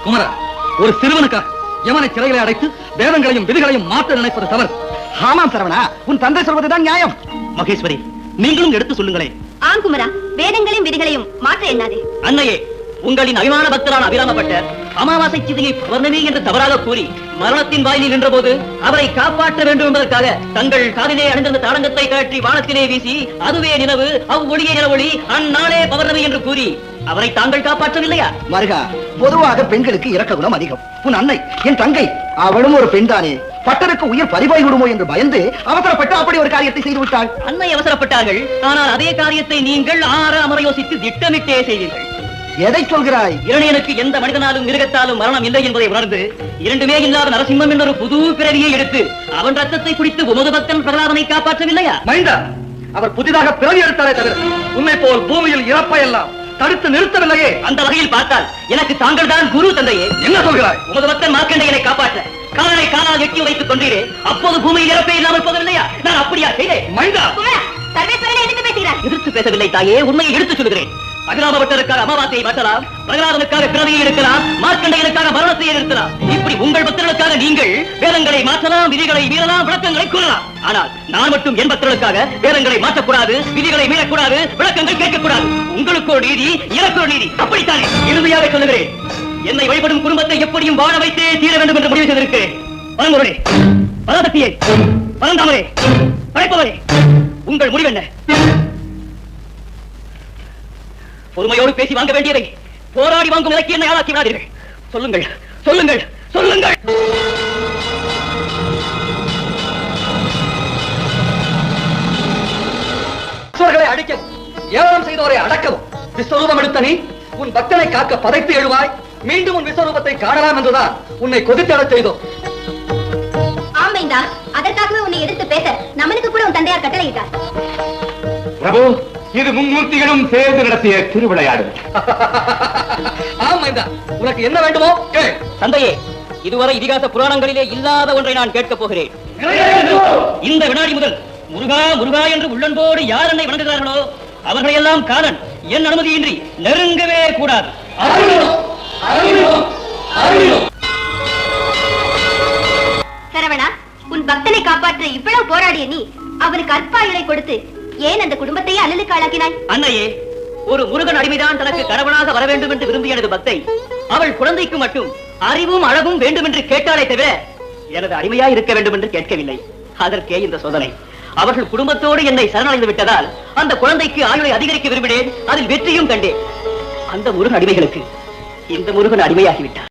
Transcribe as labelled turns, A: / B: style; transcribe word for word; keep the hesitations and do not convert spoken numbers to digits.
A: குமரா, ஒரு சிறுவனுக்காக யமனை சிறைகளை அடைத்து வேதங்களையும் விதிகளையும் மாற்ற நினைப்பது தவறு.
B: ஆமாம் சரவணா, உன் தந்தை சொல்வதுதான் நியாயம்.
A: மகேஸ்வரி, நீங்களும் எடுத்து சொல்லுங்களேன்.
C: ஆம் குமரா, வேதங்களையும் விதிகளையும் மாற்ற எண்ணாதே.
A: அன்னையே, உங்களின் அபிமான பக்தரான அபிராமப்பட்டர் அமாவாசை சிதையை பௌர்ணமி என்று தவறாக கூறி மரணத்தின் வாயிலில் நின்ற போது அவரை காப்பாற்ற வேண்டும் என்பதற்காக தங்கள் காதிலே அணிந்திருந்த தாடங்கத்தை கழற்றி வானத்திலே வீசி அதுவே நிலவு, அவ்வொளியே நிலவொளி, அந்நாளே பௌர்ணமி என்று கூறி அவரை தாங்கள் காப்பாற்றவில்லையா?
B: மருகா, பொதுவாக பெண்களுக்கு இரக்க குணம் அதிகம். உன் அன்னை, என் தங்கை, அவளும் ஒரு பெண் தானே. பட்டருக்கு உயிர் பறிபாய் விடுமோ என்று பயந்து அவசரப்பட்டு அப்படி ஒரு காரியத்தை செய்து விட்டாள்.
A: அன்னை அவசரப்பட்டார்கள், ஆனால் அதே காரியத்தை நீங்கள் ஆறு அமர யோசித்து திட்டமிட்டே செய்தீர்கள்.
B: எதை சொல்கிறாய்?
A: இரணியனுக்கு எந்த மனிதனாலும் மிருகத்தாலும் மரணம் இல்லை என்பதை உணர்ந்து இரண்டுமே இல்லாத நரசிம்மம் என்ற ஒரு புது பிறவியை எடுத்து அவன் ரத்தத்தை குடித்து உமது பக்தன் பிரகலாதனை காப்பாற்றவில்லையா? மைந்தா, அவர் புதிதாக பிறவி எடுத்தாரே தவிர உண்மை போல் பூமியில் இறப்பை எல்லாம் தடுத்து நிறுத்தவில்லையே. அந்த வகையில் பார்த்தால் எனக்கு தாங்கள் தான் குரு தந்தையே. என்ன சொல்கிறாய்? உமது பக்தன் மார்க்கண்டேயனை காப்பாற்ற காலனை காலால் எட்டி வைத்துக் கொண்டீரே, அப்போது பூமியில் இறப்பே இல்லாமல் போகவில்லையா? நான் அப்படியா செய்தேன்? மைந்தா, எதிர்த்து பேசவில்லை தாயே, உண்மையை எடுத்துச் சொல்கிறேன். அபிராமபட்டருக்காக அமாவாசையை மாற்றலாம், பிரகலாதனுக்காக பிறவியை எடுக்கலாம், மார்க்கண்டேயனுக்காக மரணத்தை எடுக்கலாம். இப்படி உங்கள் பக்தர்களுக்காக நீங்கள் வேதங்களை மாற்றலாம், விதிகளை மீறலாம், விளக்கங்களை கூறலாம். ஆனால் நான் மட்டும் என் பக்தர்களுக்காக வேதங்களை மாற்றக்கூடாது, விதிகளை மீறக்கூடாது, விளக்கங்கள் கேட்கக்கூடாது. உங்களுக்கு ஒரு நீதி, எனக்கு ஒரு நீதி. அப்படித்தானே? இறுதியாக சொல்லுகிறேன், என்னை வழிபடும் குடும்பத்தை எப்படியும் வாழ வைத்தே தீர வேண்டும் என்று முடிவு செய்திருக்கிறேன். பரம்பொருளே, பராசக்தியே, பரந்தாமரே, படைப்பவரே, உங்கள் முடிவு என்ன? பொறுமையோடு பேசி வாங்க வேண்டியதை போராடி வாங்கும் நிலைக்கு என்னை ஆளாக்கி விடாதீர்கள். சொல்லுங்கள், சொல்லுங்கள், சொல்லுங்கள். அடிக்கவும் ஏவலம் செய்தோரை அடக்கவும் விஸ்வரூபம் எடுத்த நீ உன் பக்தனை காக்க பதைத்து எழுவாய். மீண்டும் உன் விஸ்வரூபத்தை காணலாம் என்றுதான் உன்னை கொதித்தடச் செய்தோம்.
C: ஆமைந்தா, அதற்காகவே உன்னை எதிர்த்து பேச நமனுக்கு கூட உன் தந்தையார் கட்டளையிட்டார்.
D: பிரபு, இது மும்மூர்த்திகளும் சேர்ந்து நடத்திய திருவிளையாடு.
A: ஆமைந்தா, உனக்கு என்ன வேண்டுமோ கேள். தந்தையே, இதுவரை இதிகாச புராணங்களிலே இல்லாத ஒன்றை நான் கேட்கப் போகிறேன். இந்த வினாடி முதல் முருகா முருகா என்று உள்ளன்போடு யார் என்னை வணங்குகிறார்களோ அவர்களையெல்லாம் காலன் என் அனுமதியின்றி நெருங்கவே கூடாது.
C: சரவணா, உன் பக்தனை காப்பாற்ற இவ்வளவு போராடிய நீ அவனுக்கு அற்பாயுளை கொடுத்து ஏன் அந்த குடும்பத்தையே அல்லலுக்கு ஆளாக்கினாய்?
A: அன்னையே, ஒரு முருகன் அடிமைதான் தனக்கு கணவனாக வர வேண்டும் என்று விரும்பிய எனது பக்தை அவள் குழந்தைக்கு மட்டும் அறிவும் அழகும் வேண்டும் என்று கேட்டாலே தவிர எனது அடிமையா இருக்க வேண்டும் என்று கேட்கவில்லை. அதற்கே இந்த சோதனை. அவர்கள் குடும்பத்தோடு என்னை சரணடைந்து விட்டதால் அந்த குழந்தைக்கு ஆயுளை அதிகரிக்க விரும்பினேன். அதில் வெற்றியும் கண்டேன். அந்த முருகன் அடிமைகளுக்கு இந்த முருகன் அடிமையாகிவிட்டார்.